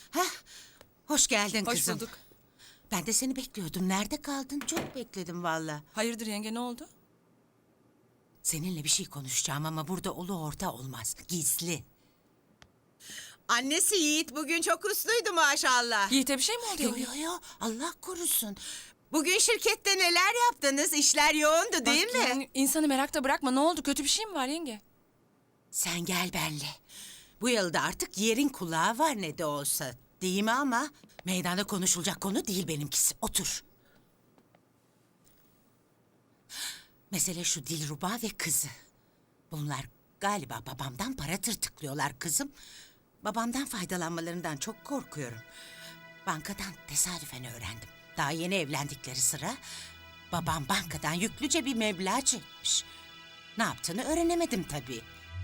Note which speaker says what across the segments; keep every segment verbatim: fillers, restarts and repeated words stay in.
Speaker 1: Hah, hoş geldin
Speaker 2: Hoş
Speaker 1: kızım.
Speaker 2: bulduk.
Speaker 1: Ben de seni bekliyordum. Nerede kaldın? Çok bekledim valla.
Speaker 2: Hayırdır yenge, ne oldu?
Speaker 1: Seninle bir şey konuşacağım ama burada ulu orta olmaz. Gizli.
Speaker 3: Annesi Yiğit bugün çok usluydu maşallah.
Speaker 2: Yiğit'e bir şey mi oldu
Speaker 1: Yo
Speaker 2: yenge?
Speaker 1: yo yo, Allah korusun.
Speaker 3: Bugün şirkette neler yaptınız? İşler yoğundu değil
Speaker 2: Bak
Speaker 3: mi?
Speaker 2: yani insanı merakta bırakma, ne oldu? Kötü bir şey mi var yenge?
Speaker 1: Sen gel benle. Bu yılda artık yerin kulağı var ne de olsa. Değil mi ama? Meydanda konuşulacak konu değil benimkisi. Otur. Mesele şu Dilruba ve kızı. Bunlar galiba babamdan para tırtıklıyorlar kızım. Babamdan faydalanmalarından çok korkuyorum. Bankadan tesadüfen öğrendim. Daha yeni evlendikleri sıra babam bankadan yüklüce bir meblağ çekmiş. Ne yaptığını öğrenemedim tabii.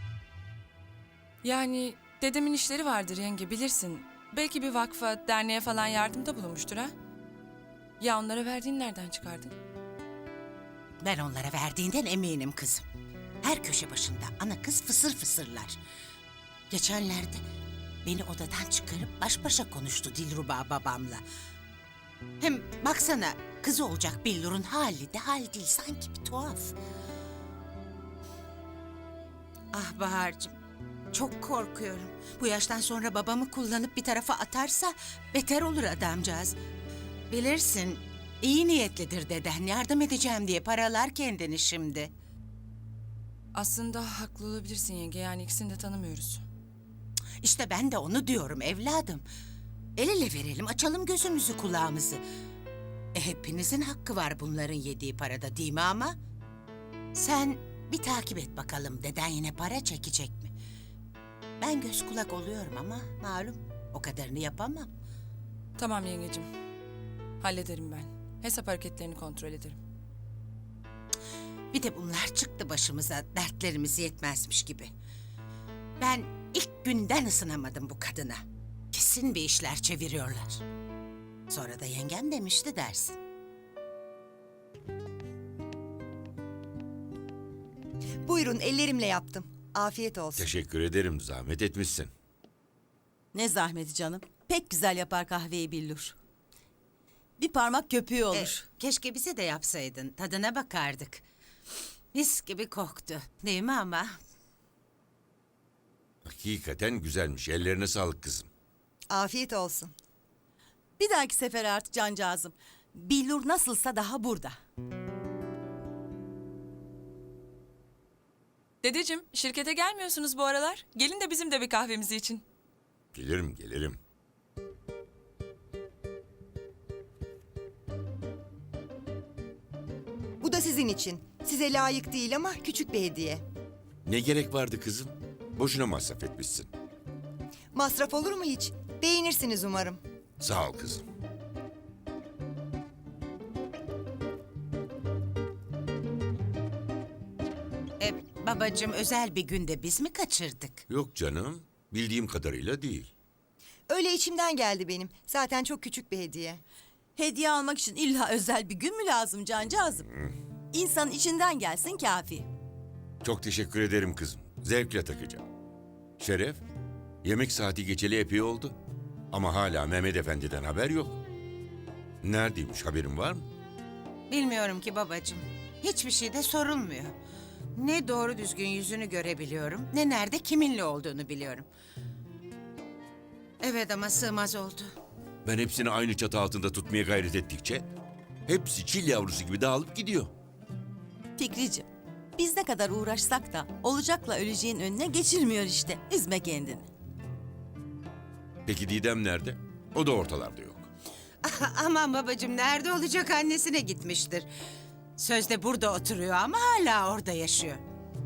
Speaker 2: Yani dedemin işleri vardır yenge, bilirsin. Belki bir vakfa, derneğe falan yardımda bulunmuştur ha? Ya onlara verdiğini nereden çıkardın?
Speaker 1: Ben onlara verdiğinden eminim kızım. Her köşe başında ana kız fısır fısırlar. Geçenlerde beni odadan çıkarıp baş başa konuştu Dilruba babamla. Hem baksana kızı olacak Billur'un hali de hal değil, sanki bir tuhaf. Ah Bahar'cığım, çok korkuyorum. Bu yaştan sonra babamı kullanıp bir tarafa atarsa beter olur adamcağız. Bilirsin, iyi niyetlidir deden, yardım edeceğim diye paralar kendini şimdi.
Speaker 2: Aslında haklı olabilirsin yenge, yani ikisini de tanımıyoruz.
Speaker 1: İşte ben de onu diyorum evladım. El ele verelim, açalım gözümüzü kulağımızı. E, hepinizin hakkı var bunların yediği parada, değil mi ama? Sen bir takip et bakalım, deden yine para çekecek mi? Ben göz kulak oluyorum ama malum o kadarını yapamam.
Speaker 2: Tamam yengecim, hallederim ben. Hesap hareketlerini kontrol ederim.
Speaker 1: Bir de bunlar çıktı başımıza, dertlerimiz yetmezmiş gibi. Ben ilk günden ısınamadım bu kadına. Kesin bir işler çeviriyorlar. Sonra da yengem demişti dersin.
Speaker 4: Buyurun, ellerimle yaptım. Afiyet olsun.
Speaker 5: Teşekkür ederim, zahmet etmişsin.
Speaker 6: Ne zahmeti canım. Pek güzel yapar kahveyi Billur. Bir parmak köpüğü
Speaker 1: E,
Speaker 6: olur.
Speaker 1: keşke bize de yapsaydın, tadına bakardık. Mis gibi koktu, değil mi ama?
Speaker 5: Hakikaten güzelmiş, ellerine sağlık kızım.
Speaker 4: Afiyet olsun.
Speaker 6: Bir dahaki sefer artık cancağızım. Billur nasılsa daha burada.
Speaker 2: Dedeciğim, şirkete gelmiyorsunuz bu aralar. Gelin de bizim de bir kahvemizi için.
Speaker 5: Gelirim, gelirim.
Speaker 4: Bu da sizin için. Size layık değil ama küçük bir hediye.
Speaker 5: Ne gerek vardı kızım? Boşuna masraf etmişsin.
Speaker 4: Masraf olur mu hiç? Beğenirsiniz umarım.
Speaker 5: Sağ ol kızım.
Speaker 1: E, babacığım özel bir günde biz mi kaçırdık?
Speaker 5: Yok canım, bildiğim kadarıyla değil.
Speaker 4: Öyle içimden geldi benim. Zaten çok küçük bir hediye.
Speaker 6: Hediye almak için illa özel bir gün mü lazım cancağızım? İnsanın içinden gelsin kafi.
Speaker 5: Çok teşekkür ederim kızım, zevkle takacağım. Şeref, yemek saati geçeli epey oldu. Ama hala Mehmet Efendi'den haber yok. Neredeymiş, haberin var mı?
Speaker 1: Bilmiyorum ki babacığım. Hiçbir şey de sorulmuyor. Ne doğru düzgün yüzünü görebiliyorum, ne nerede kiminle olduğunu biliyorum. Evet ama sığmaz oldu.
Speaker 5: Ben hepsini aynı çatı altında tutmaya gayret ettikçe... ...hepsi çil yavrusu gibi dağılıp gidiyor.
Speaker 6: Fikricim, biz ne kadar uğraşsak da olacakla öleceğin önüne geçirmiyor işte. Üzme kendini.
Speaker 5: Peki Didem nerede? O da ortalarda yok.
Speaker 1: Aman babacığım, nerede olacak, annesine gitmiştir. Sözde burada oturuyor ama hala orada yaşıyor.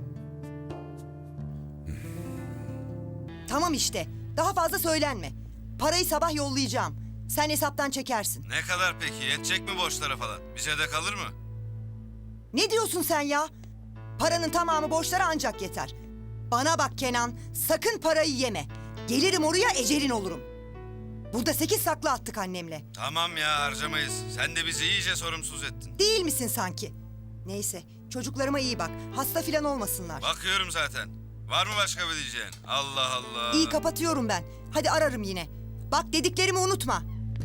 Speaker 4: Tamam işte. Daha fazla söylenme. Parayı sabah yollayacağım. Sen hesaptan çekersin.
Speaker 7: Ne kadar peki? Yetecek mi borçlara falan? Bize de kalır mı?
Speaker 4: Ne diyorsun sen ya? Paranın tamamı borçlara ancak yeter. Bana bak Kenan, sakın parayı yeme. Gelirim oraya, ecelin olurum. Burada sekiz saklı attık annemle.
Speaker 7: Tamam ya, harcamayız. Sen de bizi iyice sorumsuz ettin.
Speaker 4: Değil misin sanki? Neyse, çocuklarıma iyi bak. Hasta filan olmasınlar.
Speaker 7: Bakıyorum zaten. Var mı başka bir diyeceğin? Allah Allah.
Speaker 4: İyi, kapatıyorum ben. Hadi ararım yine. Bak dediklerimi unutma.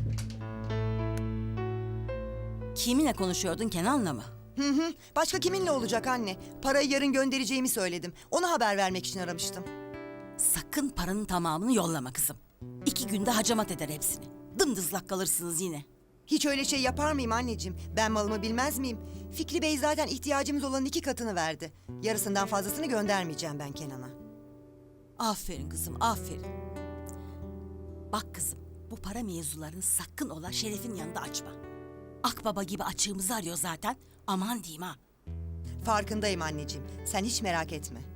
Speaker 6: Kiminle konuşuyordun, Kenan'la mı?
Speaker 4: Hı hı. Başka kiminle olacak anne? Parayı yarın göndereceğimi söyledim. Ona haber vermek için aramıştım.
Speaker 6: Sakın paranın tamamını yollama kızım. İki günde hacamat eder hepsini. Dımdızlak kalırsınız yine.
Speaker 4: Hiç öyle şey yapar mıyım anneciğim? Ben malımı bilmez miyim? Fikri Bey zaten ihtiyacımız olan iki katını verdi. Yarısından fazlasını göndermeyeceğim ben Kenan'a.
Speaker 6: Aferin kızım, aferin. Bak kızım, bu para mevzularını sakın ola Şeref'in yanında açma. Akbaba gibi açığımızı arıyor zaten. Aman diyeyim ha.
Speaker 4: Farkındayım anneciğim. Sen hiç merak etme.